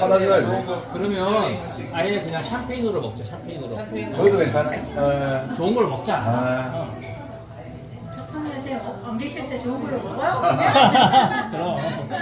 받아줘야지. 그러면 아예 그냥 샴페인으로 먹자. 샴페인으로. 그것도 괜찮아. 좋은 걸 먹자. 아. 선생님 안 계실 때 좋은 걸로 먹어요? 그럼.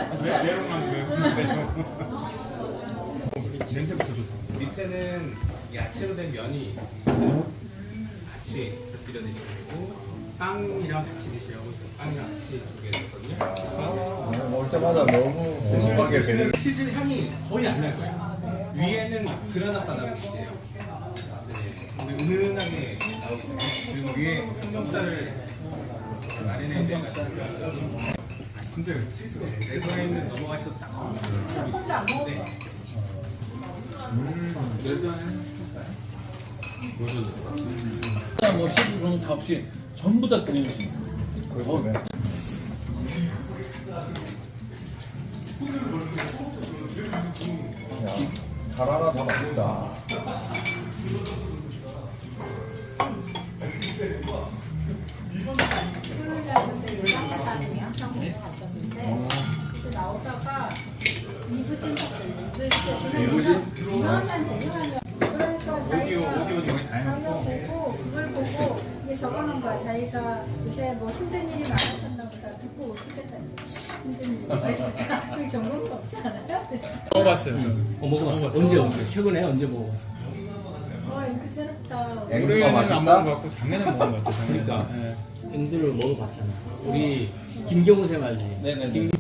냄새부터 좋다. 밑에는 야채로 된 면이 있어요. 같이 곁들여 드시면 되고 빵이랑 같이 드시라고 지금 빵이랑 같이 준비했거든요. 먹을 때마다 너무 궁금하게 되는. 치즈 향이 거의 안 날 거예요. 위에는 그라나 바나나 치즈예요. 네, 은은하게 나오거든요. 그리고 위에 삼겹살을 마리네이드 해가지고 근데 레드와인은 넘어가셔도 딱 혼자 안 먹어도 뭐 시드 그런 거 없이 전부 다 끓이는 수 있고. 잘 하나 다 맛있다. 그 나오다가 이부진 이부진? 그러니까 자기가 보고 그걸 보고 이게 적어놓은 거야. 자기가 요새 뭐 힘든 일이 많았었나 보다 듣고 어떻겠다. 힘든 일이 뭐가 있을까? 그게 적은 거 없지 않아요? 먹어봤어요. 먹어봤어. 언제? 최근에 언제 먹어봤어? 와 이거 새롭다. 앵두가 올해는 안 먹은 것 맛있다? 같고 작년에 먹은 것 같아. 작년에. 그러니까 앵두를 먹어봤잖아. 우리 김경우 쌤 알지? 네네네.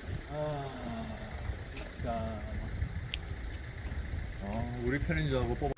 우리 편인 줄 알고 뽑아.